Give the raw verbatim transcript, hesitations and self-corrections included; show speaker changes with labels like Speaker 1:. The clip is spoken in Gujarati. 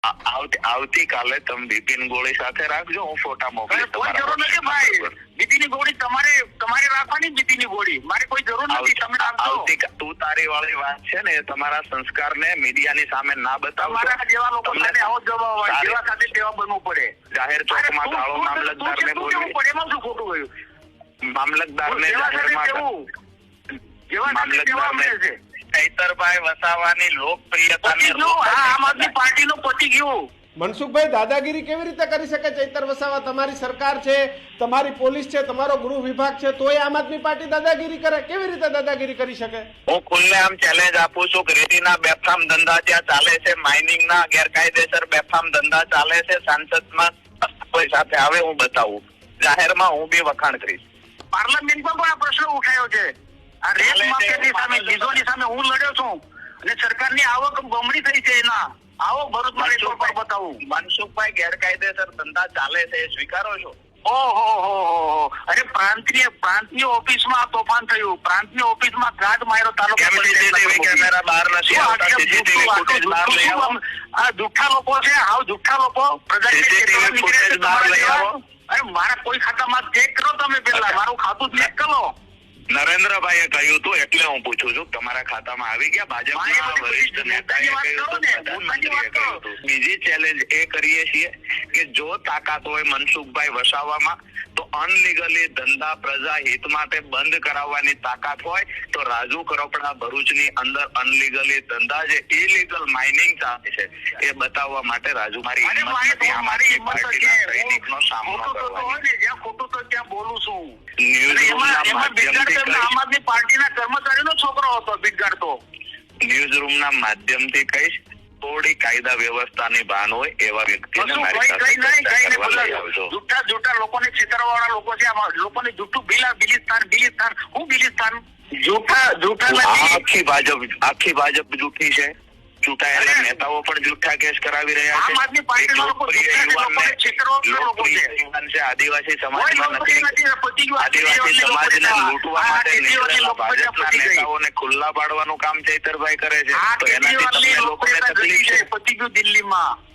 Speaker 1: આવતીકાલે તમે બિપિન ગોળી સાથે રાખજો, હું ફોટા મોકલીશ.
Speaker 2: કોઈ જરૂર નથી ભાઈ, બિપિનની ગોળી તમારે તમારે રાખવાની, બિપિનની ગોળી મારે કોઈ જરૂર નથી. તમે રાખજો.
Speaker 1: તું તારી વાળી વાત છે ને, તમારા સંસ્કારને મીડિયાની સામે ના બતાવો.
Speaker 2: તમારા જેવા લોકો સાથે આવો જવાબ હોય, જેવા સાથે તેવા બનવું પડે.
Speaker 1: જાહેર ચોકમાં ગાળો મામલતદારને બોલવી
Speaker 2: પડે, એમાં શું ખોટું ગયું?
Speaker 1: મામલતદારને જાહેરમાં
Speaker 2: જેવા સાથે તેવા મળે છે.
Speaker 1: ચૈતરભાઈ વસાવાની લોકપ્રિયતા
Speaker 2: આમ આદમી પાર્ટીનું પતી ગયું.
Speaker 3: મનસુખભાઈ, દાદાગીરી કેવી રીતે કરી શકે ચૈતર વસાવા? તમારી સરકાર છે, તમારી પોલીસ છે, તમારો ગૃહ વિભાગ છે, તોય આમ આદમી પાર્ટી દાદાગીરી કરે? કેવી રીતે દાદાગીરી કરી શકે?
Speaker 1: હું ખુલ્લેઆમ ચેલેન્જ આપું છું કે રેતીના બેફામ ધંધા ત્યાં ચાલે છે, માઇનિંગના ગેરકાયદેસર બેફામ ધંધા ચાલે છે. સાંસદમાં કોઈ સાથે આવે હું બતાવું, જાહેરમાં હું બી વખાણ કરીશ.
Speaker 2: પાર્લામેન્ટમાં પણ આ પ્રશ્ન ઉઠાયો છે. આ રેત માફિયાની સામે, લીઝોની સામે હું લડ્યો છું અને સરકારની આવક બમણી થઈ છે. એના આવક ભરૂચમાં રેકોર્ડ પર બતાવું.
Speaker 1: મનસુખભાઈ, ગેરકાયદેસર ધંધા ચાલે છે, સ્વીકારો છો?
Speaker 2: ઓહો હો હો. અરે પ્રાંતીય પ્રાંતની ઓફિસમાં તોફાન થયું, પ્રાંતની ઓફિસમાં ગાઢ માર્યો તાલુકા.
Speaker 1: કેમેરા બહાર નથી આવતા, સીસીટીવી ફૂટેજ બહાર લઈ આવો.
Speaker 2: આ જુઠ્ઠા લોકો છે, હાવ જુઠ્ઠા લોકો.
Speaker 1: સીસીટીવી ફૂટેજ બહાર લઈ આવો.
Speaker 2: અરે મારા કોઈ ખાતામાં ચેક કરો, તમે પેલા મારું ખાતું ચેક કરો.
Speaker 1: નરેન્દ્રભાઈએ કહ્યું હતું એટલે હું પૂછું છું, તમારા ખાતામાં આવી ગયા? ભાજપના વરિષ્ઠ નેતાએ કહ્યું હતું, પ્રધાનમંત્રીએ કહ્યું હતું. બીજી ચેલેન્જ એ કરીએ છીએ કે જો તાકાત હોય મનસુખભાઈ વસાવામાં, તો અનલીગલી ધંધા પ્રજા હિત માટે બંધ કરાવવાની તાકાત હોય તો રાજુ કરપડા ભરૂચની અંદર અનલીગલી ધંધા જે ઇલીગલ માઇનિંગ ચાલે છે એ બતાવવા માટે રાજુ મારી સૈનિકનો સામનો કરવાની.
Speaker 2: જ્યાં ખોટું તો ત્યાં બોલું છું.
Speaker 1: ન્યૂઝ
Speaker 2: આમ આદમી પાર્ટીના કર્મચારીનો છોકરો હતો બિગાડતો.
Speaker 1: ન્યૂઝ રૂમના માધ્યમથી કહીશ, થોડી કાયદા વ્યવસ્થાની ભાન હોય એવા વ્યક્તિને મારી સાથે
Speaker 2: જૂઠા જૂઠા લોકોને છેતરવા વાળા લોકો છે. લોકોને જૂઠું બિલા બિલિસ્તાન બિલિસ્તાન હું બિલિસ્તાન જૂઠા જૂઠા
Speaker 1: આખી ભાજપ આખી ભાજપ જૂઠી છે. ચૂંટાયેલા નેતાઓ પણ જૂઠા કેસ કરાવી રહ્યા છે.
Speaker 2: આમ આદમી પાર્ટીના લોકો
Speaker 1: આદિવાસી સમાજમાં નથી, આદિવાસી સમાજને લૂંટવા માટે નીકળેલા ભાજપના નેતાઓને ખુલ્લા પાડવાનું કામ ચૈતરભાઈ કરે છે. તો એનાથી તમને લોકોને તકલીફ છે.
Speaker 2: પતી ગયું દિલ્હીમાં.